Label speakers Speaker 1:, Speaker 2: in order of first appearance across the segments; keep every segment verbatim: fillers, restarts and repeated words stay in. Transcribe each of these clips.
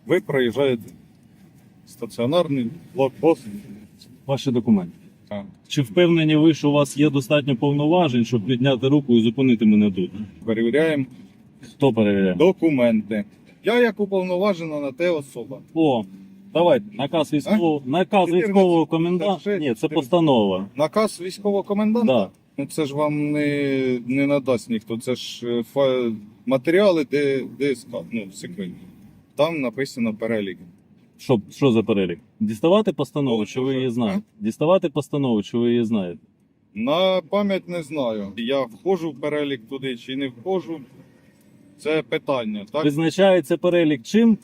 Speaker 1: Ви проїжджаєте стаціонарний блокпост.
Speaker 2: Ваші документи.
Speaker 1: Так.
Speaker 2: Чи впевнені ви, що у вас є достатньо повноважень, щоб підняти руку і зупинити мене тут?
Speaker 1: Перевіряємо
Speaker 2: Хто перевіряє?
Speaker 1: документи. Я як уповноважена на те особа.
Speaker 2: О, давайте, наказ військового, наказ військового коменданта. Ні, це постанова.
Speaker 1: Наказ військового коменданта?
Speaker 2: Да.
Speaker 1: Ну це ж вам не, не надасть ніхто. Це ж е, фа... матеріали Д... ДСК, ну, секретні. Там написано перелік.
Speaker 2: Що, що за перелік? Діставати постанову, чи ви її знаєте? Діставати постанову, чи ви її знаєте?
Speaker 1: На пам'ять не знаю. Я входжу в перелік туди чи не входжу. Це питання, так?
Speaker 2: Визначається перелік чим?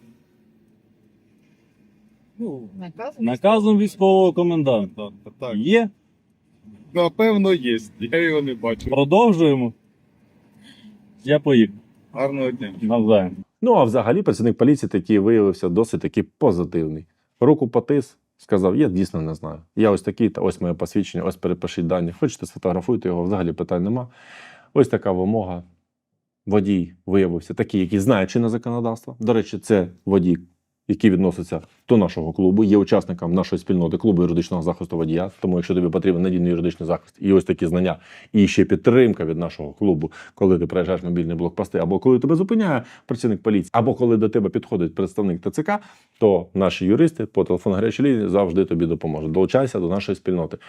Speaker 1: Ну,
Speaker 2: Наказом військового коменданта.
Speaker 1: так, так.
Speaker 2: Є?
Speaker 1: Напевно, є. Я його не бачу.
Speaker 2: Продовжуємо. Я поїхав.
Speaker 1: Гарного дня.
Speaker 2: Навзаєм.
Speaker 3: Ну, а взагалі працівник поліції такий виявився досить таки позитивний. Руку потис, сказав, я дійсно не знаю. Я ось такий, та ось моє посвідчення, ось перепишіть дані. Хочете, сфотографуйте його, взагалі питань нема. Ось така вимога. Водій виявився такий, який знає чинне законодавство. До речі, це водій, який відноситься до нашого клубу, є учасником нашої спільноти клубу юридичного захисту водія. Тому, якщо тобі потрібен надійний юридичний захист і ось такі знання, і ще підтримка від нашого клубу, коли ти проїжджаєш мобільні блокпости, або коли тебе зупиняє працівник поліції, або коли до тебе підходить представник ТЦК, то наші юристи по телефону гарячої лінії завжди тобі допоможуть. Долучайся до нашої спільноти.